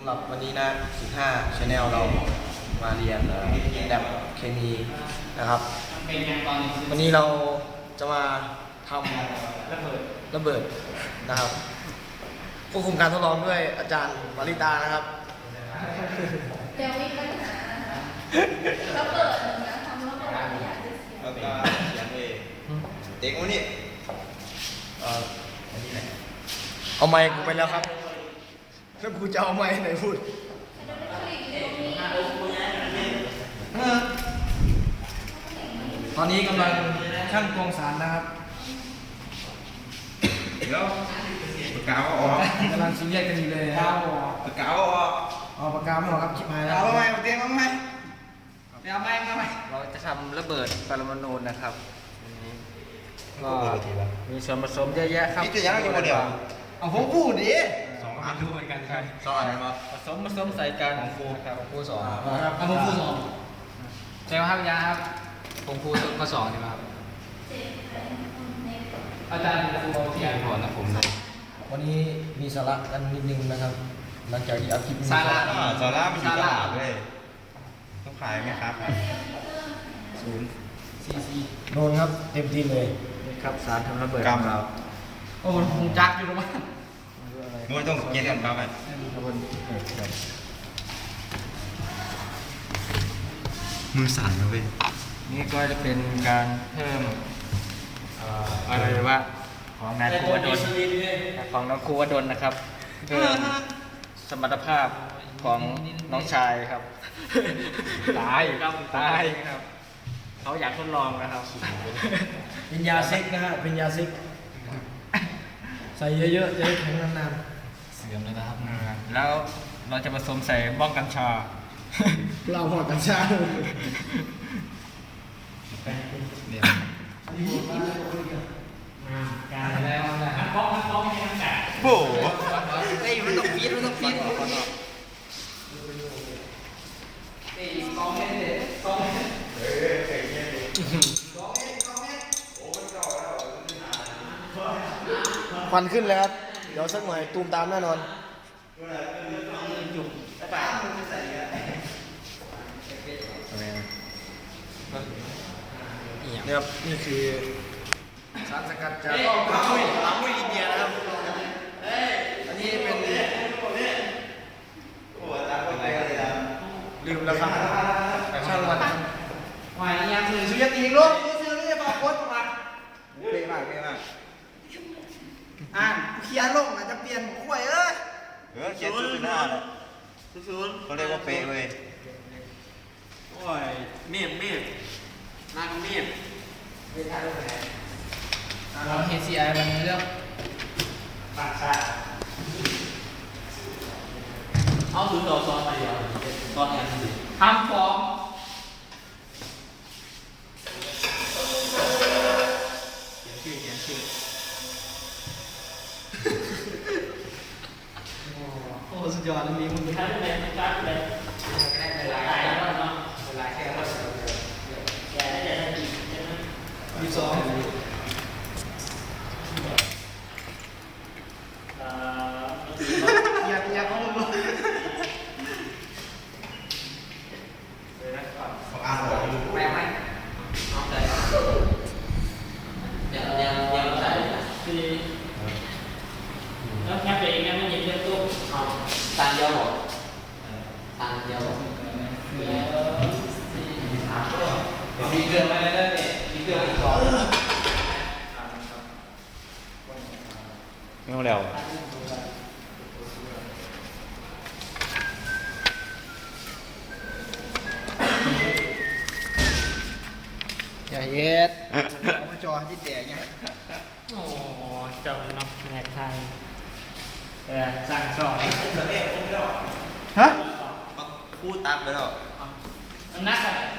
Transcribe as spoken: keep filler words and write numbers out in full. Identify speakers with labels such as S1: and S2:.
S1: หรับวันนี้นะสิบห้า Channel เรามาเรียนแลบเคมีนะครับวันนี้เราจะมาทำระเบิดระเบิดนะครับควบคุมการทดลองด้วยอาจารย์วริตานะครับ
S2: เดี๋ยวมีปัญหาระเบิดนะทำระเบิดอยากจะเสีย
S3: แล้วก็เขียนเองเด็กวันนี้เอ่ออันนี้ไหน
S1: เอาไมค์กูไปแล้วครับแล้วกูจะเอาไมค์ไหนพูดตอนนี้กำลังช่างตวงสารนะครับ
S3: แล้วปากกาออก
S1: กำลังซีเรียสกันอยู่เลยครับ
S3: ปากกาออก
S1: เอาปากกาไม่ออกครับชิบหายแล้ว
S3: เอาทำไมมาเตียงทำไม
S1: เอาไมค์เอาไมค์เราจะทำระเบิดปรมาณูนะครับก็มีส่วนผสมเยอะแยะครับ
S3: นี่จะยังอยู่คนเดียว
S1: เอาผมพูดดิ
S3: สองอันรู้เหมือนกันใช่สองอันไหนมา
S1: ผสมผสมใส่กันของครูครับของครูสอง
S4: เอาผมพูดสองใช่ไหมครับยาครับผมพูดข้อสองใช่ไหมครับอาจารย์ครูเอาที่อ่านก่อนนะผมเลย
S1: วันนี้มีสาระกันนิดนึงนะครับ หลังจากที่เอาคลิปนี้
S4: สาระ
S3: อ่าซาร่ามันอยู่ตลาดเลยต้องขายไหมครับศูนย์
S4: ซีซี
S1: โดนครับเต็มที่เลยนี่ครับสารทำระเบิด
S3: กรรม
S1: ของเรา
S4: โอ้ผมจักอยู่ตรงนั้น
S3: นู้นต้องเย็นกันครับไหม
S1: ระเบิดเออครับ
S3: มือสั่นนะเว้ย
S4: นี่ก็จะเป็นการเพิ่มเอ่ออะไรว่าของนายครูวดลของน้องครูวดลนะครับเพิ่มสมรรถภาพของน้องชายครับตายครับตายครับเขาอยากทดลองนะครับ
S1: เป็นยาซิกนะฮะเป็นยาซิกใส่เยอะๆจะได้แข็งนาน
S4: เสื่อมเลยนะครับแล้วเราจะผสมใส่บ้องกัญชา
S1: ๆเราพอกันชา
S4: เดี๋ยวการแล้วนะบ้องบ้องไม่ใช่น้ำแข็ง
S3: โอ้โห
S4: เฮ้ยมันต้องฟีดมันต้องฟีดเฮ้ยสองเมตรเลยสองเมตร
S1: ควันขึ้นเลยครับ เดี๋ยวสักหน่อยตูมตามแน่นอนนี่ครับนี่คือสารสกัดจากลามุยลามุยอินเดียนะครับอันนี้เป็นลืมแล้วครับช่างมัน
S4: วายยังคือ
S1: สุยตีลูกกูซื้อนี่มาโคตรมา
S3: เป๊ะมากเป๊ะมาก
S1: อ่านเขียนลงอาจจะเปลี่ยนข่วยเอ้ย
S3: เออเขียนชื่อหน้าเลยเขาเรียกว่าเป๊ะเว้ย
S4: โอ้ยเมียบเมียบนางเมียบเราเฮซีไอวันนี้เรื่องปากชาเอาถึงเราซ้อนไปเดียวซ้อนกันสิทำฟ้องเขียนชื่อเขียนชื่อโอ้สุดยอดเลยมีมึงท่านเลยท่านเลยได้เวลาแค่เนาะเวลาแค่ว่าแกได้แต่ดีใช่ไหมมีสองอยากอยากเอาลง
S3: เขาอ่านออก
S4: แม่ไหมเอาใจเดี๋ยวเดี๋ยวเดี๋ยวใส่คือแล้วแค่เป็นงั้นไม่ยินเรื่องตู้เอาตานเดียวหรอตานเดียวมีเกลือไหมเนี่ยมีเกลืออีกสองไม่เอาแล้ว
S1: อย่าเย็ดมาจอที่แตกไง
S4: โอ้เจ้านักแหกไทยเออสร้างสอน
S1: ฮะ
S3: พูดตามไปแล้ว
S4: นักอะ